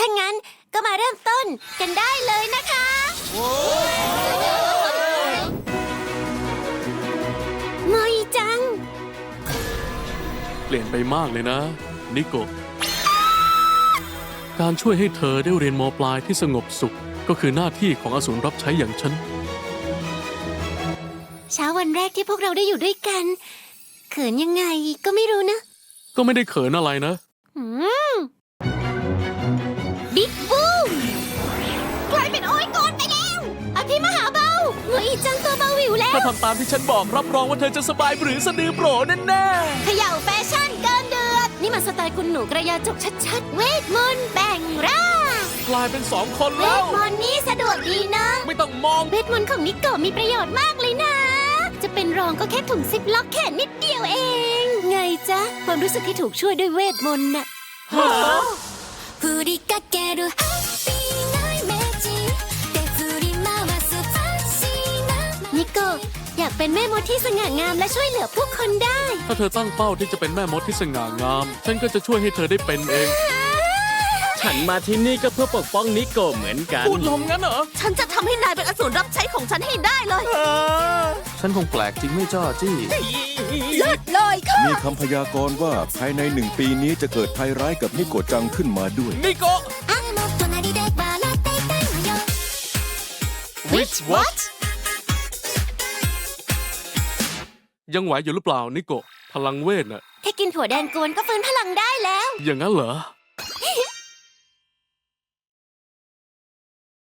ถ้างั้นก็มาเริ่มต้นกันได้เลยนะคะโมยจังเปลี่ยนไปมากเลยนะนิโกะการช่วยให้เธอได้เรียนม.ปลายที่สงบสุขก็คือหน้าที่ของอสูรรับใช้อย่างฉันเช้าวันแรกที่พวกเราได้อยู่ด้วยกันเขินยังไงก็ไม่รู้นะก็ไม่ได้เขินอะไรนะบิ๊กบูมกลายเป็นโอ้ยกอนไปแล้วอภิมหาเบาโมยจังตัวเบาวิวแล้วถ้าทำตามที่ฉันบอกรับรองว่าเธอจะสบายหรือสะดือโปรแน่เขย่าแฟชั่นเกินเดือดนี่มันสไตล์คุณหนูกระยาจกชัดๆ เวทมนต์แบ่งร่างๆกลายเป็น2 คนเวแล้วทมนต์นี้สะดวกดีนะไม่ต้องมองเวทมนต์ของนิโกะมีประโยชน์มากเลยนะ จะเป็นรองก็แค่ถุงซิปล็อกแค่นิดเดียวเอง ไงจ๊ะ ความรู้สึกที่ถูกช่วยด้วยเวทมนต์น่ะ振りかけるハッピーなイメージで振り回すファンシーなนิโกะอยากเป็นแม่มดที่สง่างามและช่วยเหลือผู้คนได้ถ้าเธอตั้งเป้าที่จะเป็นแม่มดที่สง่างาม ฉันก็จะช่วยให้เธอได้เป็นเองฉันมาที่นี่ก็เพื่อปกป้องนิโกะเหมือนกันพูดลมงั้นเหรอฉันจะทำให้นายเป็นอสูรรับใช้ของฉันให้ได้เลยฉันคงแปลกจริงไม่จ้าจี้เลิศเลยค่ะมีคำพยากรณ์ว่าภายใน1 ปีนี้จะเกิดภัยร้ายกับนิโกะจังขึ้นมาด้วยนิโกะ Which what ยังไหวอยู่หรือเปล่านิโกะพลังเวทน่ะแค่กินถั่วแดงกวนก็ฟื้นพลังได้แล้วอย่างนั้นเหรอ